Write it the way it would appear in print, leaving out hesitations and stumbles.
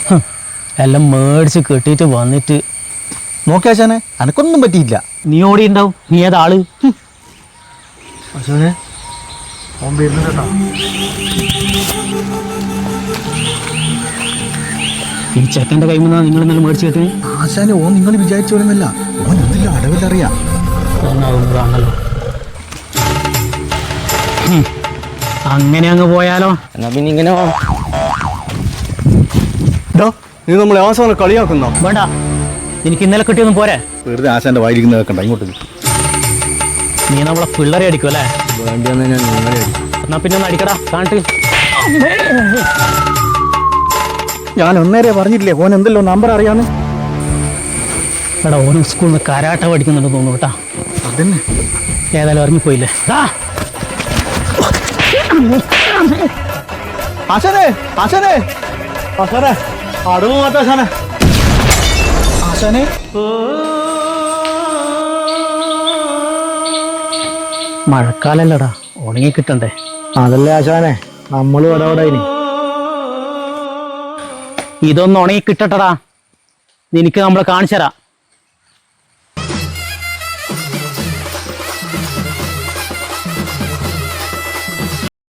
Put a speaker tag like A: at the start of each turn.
A: എല്ലാം മേടിച്ച് കെട്ടിയിട്ട് വന്നിട്ട്
B: നോക്കിയാശാനെ എനക്കൊന്നും പറ്റിയില്ല.
A: നീ ഓടി ഉണ്ടാവും. നീ ഏതാള്?
B: ആശാനെ ഓൻ വരുന്നുണ്ടോ?
A: ഈ ചെക്കൻ്റെ കൈ നിന്നാ നിങ്ങൾ ഇന്നലെ മേടിച്ച് കെട്ടി.
B: ആശാനെ ഓൻ നിങ്ങൾ വിചാരിച്ചോളുന്നല്ല, ഓൻ എന്തെല്ലാം അടവിലറിയാം.
A: ആണല്ലോ. അങ്ങനെ അങ്ങ് പോയാലോ?
C: എന്നാ പിന്നെ ഇങ്ങനെ
B: നീ നമ്മളെ അവസാനം കളിയാക്കുന്നോ?
A: വേണ്ട, എനിക്ക് ഇന്നലെ കിട്ടിയൊന്നും പോരെ.
B: വെറുതെ ആശാന്റെ വായിരിക്കുന്ന വെക്കണ്ട, ഇങ്ങോട്ട്
A: നീ നമ്മളെ പിള്ളേരെ അടിക്കും അല്ലേ?
C: വേണ്ടി വന്ന് ഞാൻ നിങ്ങളെ
A: എന്നാ പിന്നെ ഒന്ന് അടിക്കടാ കാണിട്ട്.
B: ഞാൻ ഒന്നേരെ പറഞ്ഞിട്ടില്ലേ ഓൻ എന്തെല്ലോ നമ്പർ അറിയാന്ന്.
A: എടാ ഓരോ സ്കൂളിൽ നിന്ന് കരാട്ട പഠിക്കുന്നുണ്ടെന്ന് തോന്നുന്നു കേട്ടാ.
B: അതന്നെ
A: ഏതായാലും ഇറങ്ങിപ്പോയില്ലേ.
B: ആശാനെ ആശാനെ ആശാനെ അടവ് മാറ്റ ആശാനെ ആശാനെ
A: മഴക്കാലല്ലടാ, ഉണങ്ങി കിട്ടണ്ടേ.
B: അതല്ലേ ആശാനെ നമ്മളും ഇടപെടായിനി.
A: ഇതൊന്ന് ഉണങ്ങി കിട്ടട്ടടാ, നിനക്ക് നമ്മൾ കാണിച്ചു തരാം.